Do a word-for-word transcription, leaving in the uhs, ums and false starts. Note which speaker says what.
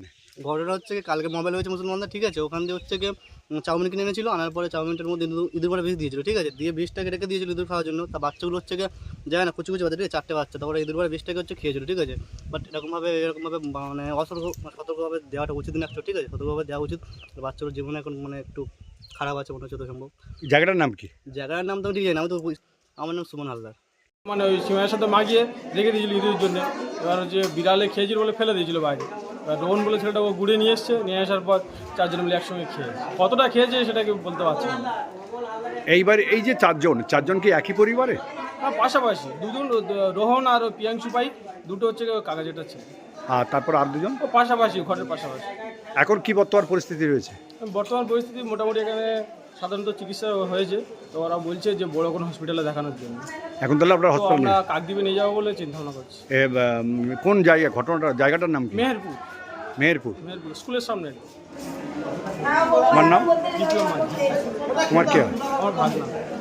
Speaker 1: ঘটনা হচ্ছে কি কালকে মোবাইল হয়েছে মুসলমানদের, ঠিক আছে, ওখান দিয়ে হচ্ছে গিয়ে চাউমিন কিনে এনেছিল, আনার পরে চাউমিনটার মধ্যে ইঁদুর মারা বিষ দিয়েছিল, ঠিক আছে, দিয়ে বিষটাকে রেখে দিয়েছিল ইঁদুর খাওয়ার জন্য। তা বাচ্চাগুলো হচ্ছে গিয়ে যায় না, কুচি কুচি বাচ্চা, ঠিক আছে, চারটে বাচ্চা, তারপরে ইঁদুর মারা বিষটাকে হচ্ছে খেয়েছিল, ঠিক আছে। বাট এরকমভাবে এরকমভাবে মানে অসতর্ক সতর্কভাবে দেওয়াটা উচিত না, ঠিক আছে, সতর্কভাবে দেওয়া উচিত। বাচ্চাগুলোর জীবনে এখন মানে একটু খারাপ আছে মনে হচ্ছে তো সম্ভব।
Speaker 2: জায়গাটার নাম কি?
Speaker 1: জায়গার নাম তো ঠিক আছে, আমি তো আমার নাম সুমন হালদার।
Speaker 3: মানে ওই সিমের সাথে মাখিয়ে রেখে দিয়েছিল ইঁদুরের জন্য। এবার হচ্ছে বিড়ালে খেয়েছিল বলে ফেলে দিয়েছিল বাইরে। এবার রোহন বলে ছেলেটা ও গুড়ে নিয়ে এসছে, নিয়ে আসার পর চারজন মিলে একসঙ্গে খেয়ে কতটা খেয়েছে সেটাকে বলতে পারছি না।
Speaker 2: এইবার এই যে চারজন চারজন কি একই পরিবারে?
Speaker 3: হ্যাঁ, পাশাপাশি দুজন, রোহন আর পিয়াংশু পাই, দুটো হচ্ছে কাকা যেটা ছিল।
Speaker 2: আর তারপর আর দুজন
Speaker 3: ও পাশাপাশি, ঘরের পাশাপাশি।
Speaker 2: এখন কি বর্তমান পরিস্থিতি রয়েছে?
Speaker 3: বর্তমান পরিস্থিতি মোটামুটি এখানে সাধারণত চিকিৎসা হয়েছে, তো ওরা বলছে যে বড় কোনো হসপিটালে দেখানোর জন্য।
Speaker 2: এখন তাহলে আপনারা
Speaker 3: তো
Speaker 2: হসপিটাল
Speaker 3: আমরা কাকদ্বীপে নিয়ে যাবো বলে চিন্তা ভাবনা করছি।
Speaker 2: কোন জায়গা ঘটনাটা জায়গাটার নাম কি?
Speaker 3: মেহেরপুর।
Speaker 2: মেহেরপুর।
Speaker 3: মেহেরপুর স্কুলের সামনে।
Speaker 2: আমার নাম
Speaker 3: দ্বিতীয় মাঝি।
Speaker 2: তোমার কি হয়?
Speaker 3: আমার ভাগনা।